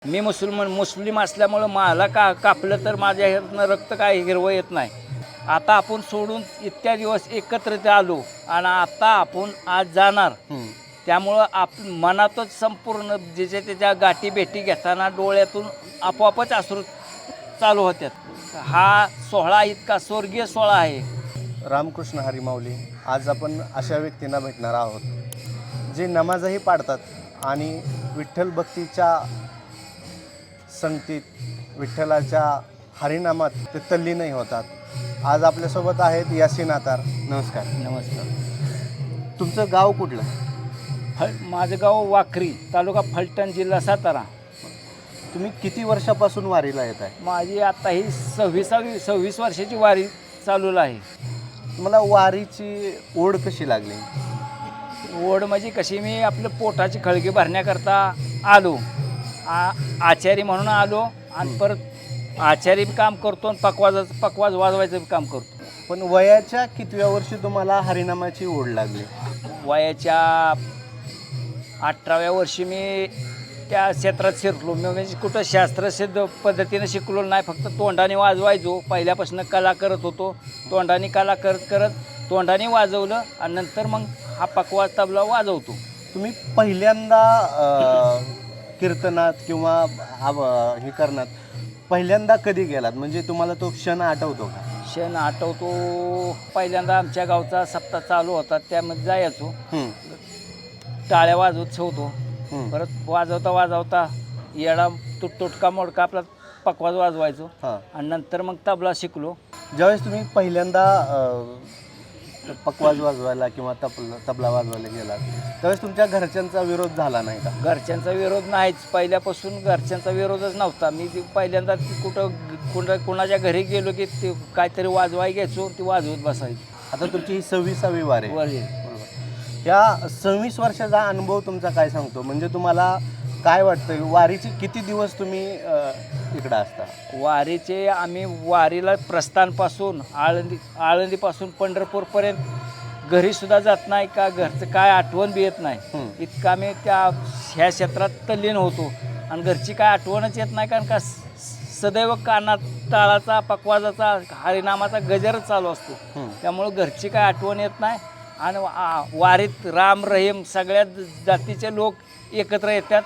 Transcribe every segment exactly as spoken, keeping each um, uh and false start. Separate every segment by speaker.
Speaker 1: मी मुसलमान मुस्लिम असल्यामुळं मला का कापलं तर माझ्या ह्यातनं रक्त काय हिरवं येत नाही. आता आपण सोडून इतक्या दिवस एकत्र इथे आलो आणि आता आपण आज जाणार. त्यामुळं आप मनातच संपूर्ण ज्याच्या त्याच्या गाठी भेटी घेताना डोळ्यातून आपोआपच अश्रू चालू होत्यात. हा सोहळा इतका स्वर्गीय सोहळा आहे.
Speaker 2: रामकृष्ण हरी माऊली. आज आपण अशा व्यक्तींना भेटणार आहोत जे नमाजही पाडतात आणि विठ्ठल भक्तीच्या संगतीत विठ्ठलाच्या हरिनामात ते तल्लीनही होतात. आज आपल्यासोबत आहेत यासीन आतार. नमस्कार.
Speaker 1: नमस्कार.
Speaker 2: तुमचं गाव कुठलं?
Speaker 1: फल माझं गाव वाखरी, तालुका फलटण, जिल्हा सातारा.
Speaker 2: तुम्ही किती वर्षापासून वारीला येत आहे?
Speaker 1: माझी आता ही सव्वीसावी सव्वीस वर्षाची वारी चालू आहे.
Speaker 2: मला वारीची ओढ कशी लागली?
Speaker 1: ओढ म्हणजे कशी, मी आपलं पोटाची खळगी भरण्याकरता आलो. आ आचारी म्हणून आलो आणि परत आचारी काम करतो आणि पकवाजाचं पकवाज वाजवायचं काम करतो.
Speaker 2: पण वयाच्या कितव्या वर्षी तुम्हाला हरिनामाची ओढ लागली?
Speaker 1: वयाच्या अठराव्या वर्षी मी त्या क्षेत्रात शिरलो. मी म्हणजे कुठं शास्त्रसिद्ध पद्धतीनं शिकलो नाही, फक्त तोंडाने वाजवायचो. पहिल्यापासून कला करत होतो. तोंडाने कला करत करत तोंडाने वाजवलं आणि नंतर मग हा पकवाज तबला वाजवतो.
Speaker 2: तुम्ही पहिल्यांदा कीर्तनात किंवा हे करण्यात पहिल्यांदा कधी गेलात? म्हणजे तुम्हाला तो क्षण आठवतो का?
Speaker 1: क्षण आठवतो. पहिल्यांदा आमच्या गावचा सप्ताह चालू होता, त्यामध्ये जायचो. टाळ्या वाजवत ठेवतो. परत वाजवता वाजवता येडा तुट तुटका मोडका आपला पकवाज वाजवायचो. आणि नंतर मग तबला शिकलो.
Speaker 2: ज्यावेळेस तुम्ही पहिल्यांदा पकवाज वाजवायला किंवा तबला तबला वाजवायला गेलात त्यावेळेस तुमच्या घरच्यांचा विरोध झाला नाही का?
Speaker 1: घरच्यांचा विरोध नाहीच. पहिल्यापासून घरच्यांचा विरोधच नव्हता. मी ती पहिल्यांदा ती कुठं कुणा कुणाच्या घरी गेलो की ते काहीतरी वाजवाय घ्यायचो, ती वाजवत बसायची.
Speaker 2: आता तुमची ही सव्वीसावी वार आहे.
Speaker 1: वर
Speaker 2: या सव्वीस वर्षाचा अनुभव तुमचा काय सांगतो? म्हणजे तुम्हाला काय वाटतं, वारीचे किती दिवस तुम्ही इकडं असता?
Speaker 1: वारीचे आम्ही वारीला प्रस्थानपासून आळंदी आळंदीपासून पंढरपूरपर्यंत घरीसुद्धा जात नाही का घरचं काय आठवण बी येत नाही. इतकं आम्ही त्या ह्या क्षेत्रात तल्लीन होतो आणि घरची काय आठवणच येत नाही. कारण का सदैव कानात टाळाचा पकवाजाचा हरिनामाचा गजरच चालू असतो. त्यामुळं घरची काय आठवण येत नाही. आणि वारीत राम रहीम सगळ्या जातीचे लोक एकत्र येतात.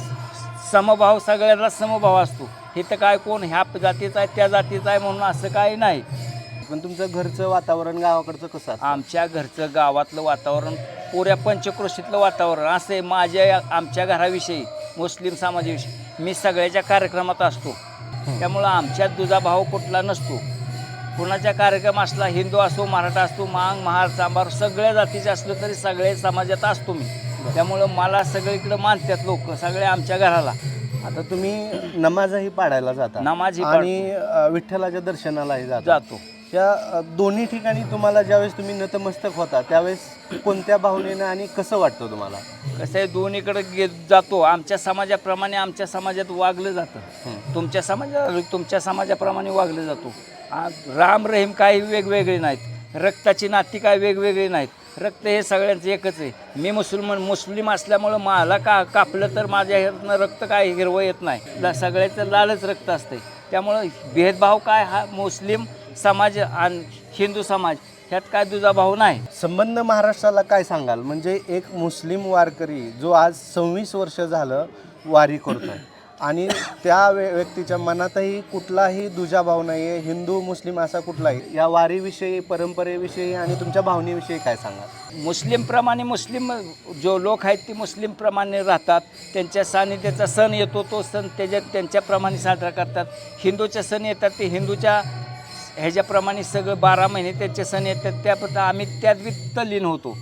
Speaker 1: समभाव, सगळ्यांना समभाव असतो. हे तर काय कोण ह्या जातीचा आहे त्या जातीचा आहे म्हणून असं काही नाही.
Speaker 2: पण तुमचं घरचं वातावरण गावाकडचं कसं असतं?
Speaker 1: आमच्या घरचं गावातलं वातावरण पुऱ्या पंचक्रोशीतलं वातावरण असं आहे. माझ्या आमच्या घराविषयी, मुस्लिम समाजाविषयी मी सगळ्याच्या कार्यक्रमात असतो. त्यामुळं आमच्यात दुजाभाव कुठला नसतो. कुणाचा कार्यक्रम असला, हिंदू असो, मराठा असतो, मांग महार चांबार सगळ्या जातीचे असलं तरी सगळे समाजात असतो मी. त्यामुळं मला सगळीकडं मानतात लोक, सगळे आमच्या घराला.
Speaker 2: आता तुम्ही नमाजही पाडायला जाता,
Speaker 1: नमाजही
Speaker 2: आणि विठ्ठलाच्या दर्शनालाही जाता.
Speaker 1: जातो.
Speaker 2: या दोन्ही ठिकाणी तुम्हाला ज्यावेळेस तुम्ही नतमस्तक होता त्यावेळेस कोणत्या भावनेनं आणि कसं वाटतं तुम्हाला?
Speaker 1: कसं आहे, दोन्हीकडे गे जातो. आमच्या समाजाप्रमाणे आमच्या समाजात वागलं जातं. तुमच्या समाजा तुमच्या समाजाप्रमाणे वागलं जातो. राम रहीम काही वेगवेगळे नाहीत. रक्ताची नाती काय वेगवेगळी नाहीत. रक्त हे सगळ्यांचं एकच आहे. मी मुसलमान मुस्लिम असल्यामुळं मला का कापलं तर माझ्या ह्यातनं रक्त काय हिरवं येत नाही. सगळ्याचं लालच रक्त असते. त्यामुळं भेदभाव काय, हा मुस्लिम समाज आणि हिंदू समाज ह्यात काय दुजाभाव नाही.
Speaker 2: संबंध महाराष्ट्राला काय सांगाल? म्हणजे एक मुस्लिम वारकरी जो आज सव्वीस वर्ष झालं वारी करतोय आणि त्या व्यक्तीच्या मनातही कुठलाही दुजाभाव नाही आहे, हिंदू मुस्लिम असा कुठलाही. या वारीविषयी, परंपरेविषयी आणि तुमच्या भावनेविषयी काय सांगाल?
Speaker 1: मुस्लिमप्रमाणे मुस्लिम जो लोक आहेत ते मुस्लिमप्रमाणे राहतात. त्यांच्या सानिध्याचा सण येतो, तो सण त्याच्यात त्यांच्याप्रमाणे साजरा करतात. हिंदूचे सण येतात ते हिंदूच्या ह्याच्याप्रमाणे सगळं बारा महिने त्यांचे सण येतात. त्याबद्दल आम्ही त्यात बी तल्लीन होतो.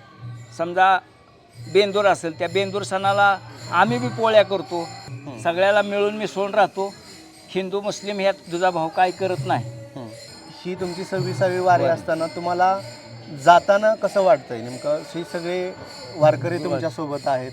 Speaker 1: समजा बेंदूर असेल, त्या बेंदूर सणाला आम्ही बी पोळ्या करतो. सगळ्याला मिळून मिसळून राहतो. हिंदू मुस्लिम ह्यात दुजाभाव काय करत नाही.
Speaker 2: ही तुमची सव्वीसावी वारी असताना तुम्हाला जाताना कसं वाटतंय? नेमकं ही सगळे वारकरी तुमच्यासोबत आहेत.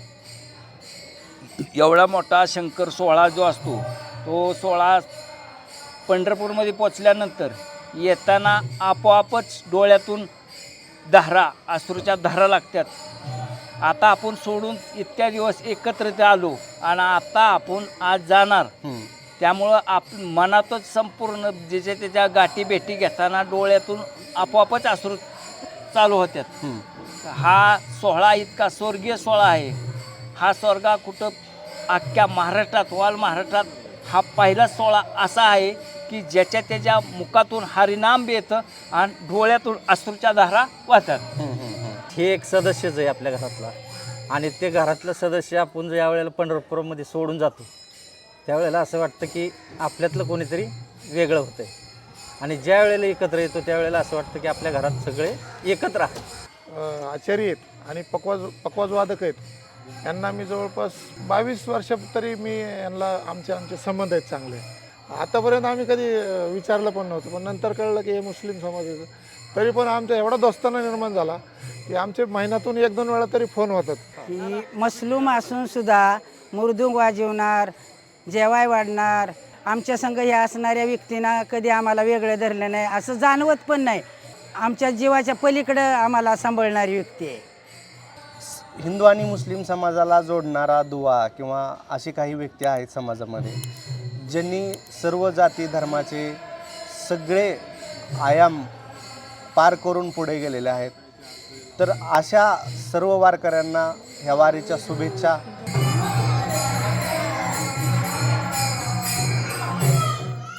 Speaker 1: एवढा मोठा शंकर सोहळा जो असतो, तो सोहळा पंढरपूरमध्ये पोचल्यानंतर येताना आपोआपच डोळ्यातून धारा, अश्रूच्या धारा लागतात. आता आपण सोडून इतक्या दिवस एकत्रित आलो आणि आता आपण आज जाणार.
Speaker 2: हम्म.
Speaker 1: त्यामुळं आप मनातच संपूर्ण ज्याच्या त्याच्या गाठी भेटी घेताना डोळ्यातून आपोआपच अश्रू चालू होत्यात.
Speaker 2: हम्म.
Speaker 1: हा सोहळा इतका स्वर्गीय सोहळा आहे. हा स्वर्गा कुठं अख्ख्या महाराष्ट्रात ऑल महाराष्ट्रात हा पहिला सोहळा असा आहे की ज्याच्या त्याच्या मुखातून हरिनाम बी येतं आणि डोळ्यातून अश्रूच्या धारा वाहतात.
Speaker 2: हम्म. हम्म.
Speaker 3: हे एक सदस्यच आहे आपल्या घरातला आणि ते घरातलं सदस्य आपण ज्या वेळेला पंढरपूरमध्ये सोडून जातो त्यावेळेला असं वाटतं की आपल्यातलं कोणीतरी वेगळं होतं आहे आणि ज्या वेळेला एकत्र येतो त्यावेळेला असं वाटतं की आपल्या घरात सगळे एकत्र आहेत.
Speaker 4: अ, आचारी आहेत आणि पकवाज पकवाज वादक आहेत. यांना मी जवळपास बावीस वर्ष तरी मी यांना आमचे आमचे संबंध आहेत चांगले. आतापर्यंत आम्ही कधी अ, विचारलं पण नव्हतं, पण नंतर कळलं की हे मुस्लिम समाजाचं. तरी पण आमच्या एवढा दोस्ताना निर्माण झाला की आमचे महिन्यातून एक दोन वेळा तरी फोन होतात.
Speaker 5: की मसलूम असून सुद्धा मृदुंग वाजवणार, जेवाय वाढणार, आमच्या संग ह्या असणाऱ्या व्यक्तींना कधी आम्हाला वेगळं धरलं नाही, असं जाणवत पण नाही. आमच्या जीवाच्या पलीकडं आम्हाला सांभाळणारी व्यक्ती आहे.
Speaker 2: हिंदू आणि मुस्लिम समाजाला जोडणारा दुवा किंवा अशी काही व्यक्ती आहेत समाजामध्ये ज्यांनी सर्व जाती धर्माचे सगळे आयाम पार करून पुढे गेलेले आहेत. तर अशा सर्व वारकऱ्यांना ह्या वारीच्या शुभेच्छा